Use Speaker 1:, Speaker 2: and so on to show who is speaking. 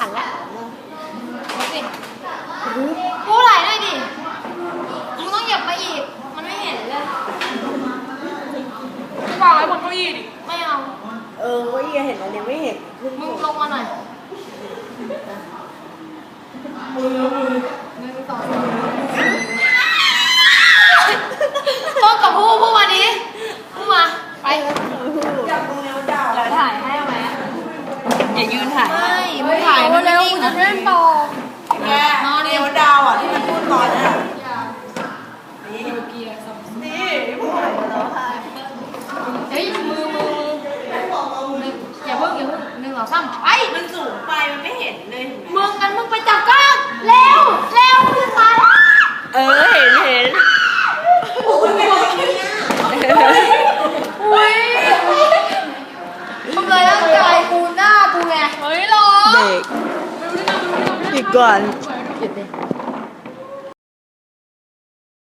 Speaker 1: ขันแล้วมาสิกูไหลหน่อยดิมึงต้องเหยียบมาอีกมันไม่เห็นเลยกูวางไว้บนเก้าอี้ดิไม่เอา
Speaker 2: เก้าอี้เห็นมันยังไม่เห็น
Speaker 1: มึงลงมาหน่อยมือสองต้นกับผู้มาดิผู้มาไป
Speaker 2: จับตรงเนี้ยดาว
Speaker 1: แล้วถ่ายให้ไหม
Speaker 2: อย่ายืนถ่าย
Speaker 1: ไม่ถ่ายมันเร็วจะเล่นต่อ
Speaker 2: แกนอนเนี้ยดาวที่มันพูดตอนนี้นี่พูดอะไรกันแล้วค่ะ
Speaker 1: เฮ้ยมืออย่าเพิ่ง1 2 3ไป
Speaker 2: มันสูงไปมันไม่เห็นเลย
Speaker 1: มึงกันมึงไปจับก้อนเร็วจะตาย
Speaker 2: เห็น
Speaker 1: อุ้ยทำเลยร่างกายกูหน้ากูไงเฮ้ยรอ
Speaker 2: เด็กหยุดก่อน
Speaker 1: หยุดดิ